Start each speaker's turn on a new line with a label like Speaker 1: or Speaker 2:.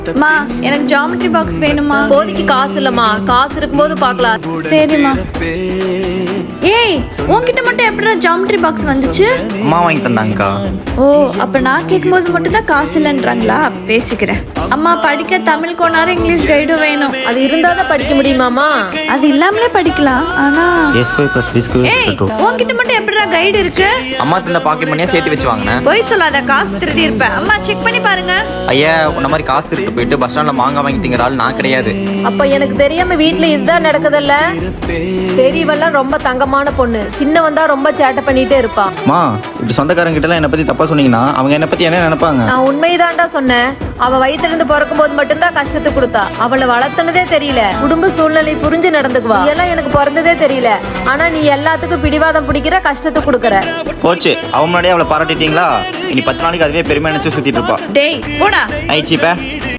Speaker 1: மா எனக்கு geometry box வேணுமா?
Speaker 2: போதைக்கு காசு இல்லம்மா, காசு இருக்கும்போது பார்க்கலாம்.
Speaker 1: சரிம்மா. ஏய் உன்கிட்ட மட்டும் எப்படிடா ஜாமெட்ரி பாக்ஸ் வந்துச்சு?
Speaker 3: அம்மா வாங்கி தந்தாங்கக்கா.
Speaker 1: ஓ அப்ப நான் கேட்கும்போது மட்டும் தான் காசு இல்லைன்றாங்களா? பேசிக்கிறேன். அம்மா படிக்க தமிழ் கோனாரு இங்கிலீஷ் கைடும் வேணும்.
Speaker 2: அது இருந்தாதான் படிக்க முடியுமாமா?
Speaker 1: அது இல்லாமலே படிக்கலாம். ஆனா
Speaker 3: A square plus B square is
Speaker 1: ஏய்
Speaker 3: equal to.
Speaker 1: உன்கிட்ட மட்டும் எப்படிடா கைடு இருக்கு?
Speaker 3: அம்மா தந்த பாக்கெட் மணியா சேர்த்து வச்சு வாங்கினேன்.
Speaker 1: போய் சொல்லாத, காசு திருடி இருப்பேன். அம்மா செக் பண்ணி பாருங்க.
Speaker 3: ஐயா உன்ன மாதிரி காசு திருட்டு போயிட்டு பஸ் ஸ்டாண்ட்ல மாங்காய் வாங்கி திங்கிற ஆள் நான் கிடையாது.
Speaker 2: அப்ப எனக்கு தெரியாம வீட்ல இதுதான் நடக்குதல்ல. பெரியவெல்லாம் ரொம்ப தங்கமான பொண்ணு, சின்னவன் தான் ரொம்ப சேட்டை பண்ணிட்டே இருப்பான்.
Speaker 3: அம்மா இப்படி சொந்தக்காரங்க கிட்ட எல்லாம் என்ன பத்தி தப்பா சொன்னீங்கன்னா அவங்க என்ன பத்தி என்ன நினைப்பாங்க?
Speaker 2: நான் உண்மைதான்டா சொன்னேன். அவ வயிற்றிலிருந்து பிறக்கும் போது மட்டும்தான் கஷ்டத்தை கொடுத்தா. அவளை வளர்த்தனதே தெரியல, குடும்ப சூழ்நிலை புரிஞ்சு நடந்துக்குவா. நீ எல்லாம் எனக்கு பிறந்ததே தெரியல, ஆனா நீ எல்லாத்துக்கும் பிடிவாதம் பிடிக்கிற, கஷ்டத்தை கொடுக்கற.
Speaker 3: போச்சு, அவன் முன்னாடியே அவளை பாராட்டிட்டீங்களா? இனி 10 நாளைக்கு அதுவே பெருமை நினைச்சு சுத்திட்டு இருப்பா.
Speaker 1: டேய் போடா.
Speaker 3: ஐச்சிப்ப